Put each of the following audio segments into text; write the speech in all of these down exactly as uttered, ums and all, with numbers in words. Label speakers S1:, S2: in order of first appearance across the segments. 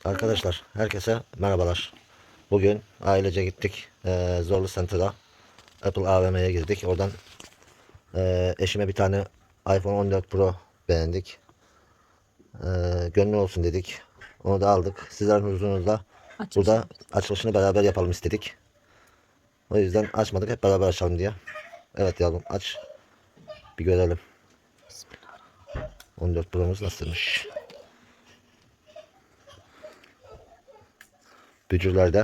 S1: Arkadaşlar herkese merhabalar. Bugün ailece gittik ee, Zorlu Center'a, Apple A V M'ye girdik. Oradan ee, eşime bir tane iPhone on dört Pro beğendik. Ee, gönlü olsun dedik. Onu da aldık. Sizlerin huzurunuzda burada açılışını beraber yapalım istedik. O yüzden açmadık, hep beraber açalım diye. Evet yavrum, aç bir görelim. on dört Pro'muz nasılmış? Bücürlerde.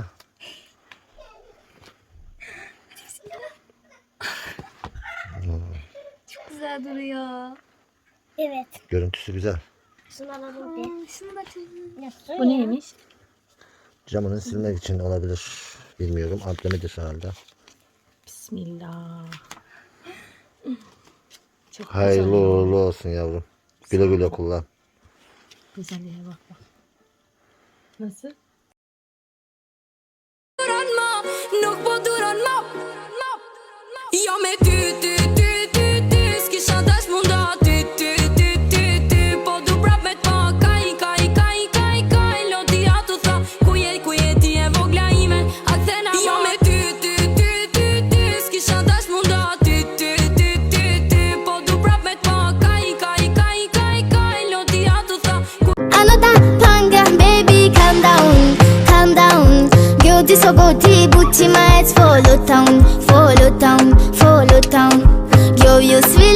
S2: Çok güzel duruyor.
S3: Evet.
S1: Görüntüsü güzel.
S3: Şunu alalım bir.
S2: Aa, şunu da çok
S4: Bu neymiş?
S1: Camını silmek için olabilir. Bilmiyorum. Amblemidir herhalde.
S4: Bismillah. Çok
S1: Hayırlı
S4: güzel.
S1: uğurlu olsun yavrum. Güle güle kullan.
S4: Güzelliğe bak bak. Nasıl?
S5: Nuk po duron më Jo me ty, ty, ty, ty, ty S'kisha dash munda ty, ty, ty, ty, ty Po du prap me t'pa kaj, kaj, kaj, kaj, kaj Loti atu tha Ku je, ku je ti e vogla ime A këthena Jo me ty, ty, ty, ty, ty S'kisha dash munda ty, ty, ty, ty, ty Po du prap me t'pa kaj, kaj, kaj, kaj, kaj Loti atu tha
S3: Anota panga, baby, calm down, calm down. 교지서 고디 붙지 마, it's follow town, follow town, follow town. Yo, you sweet.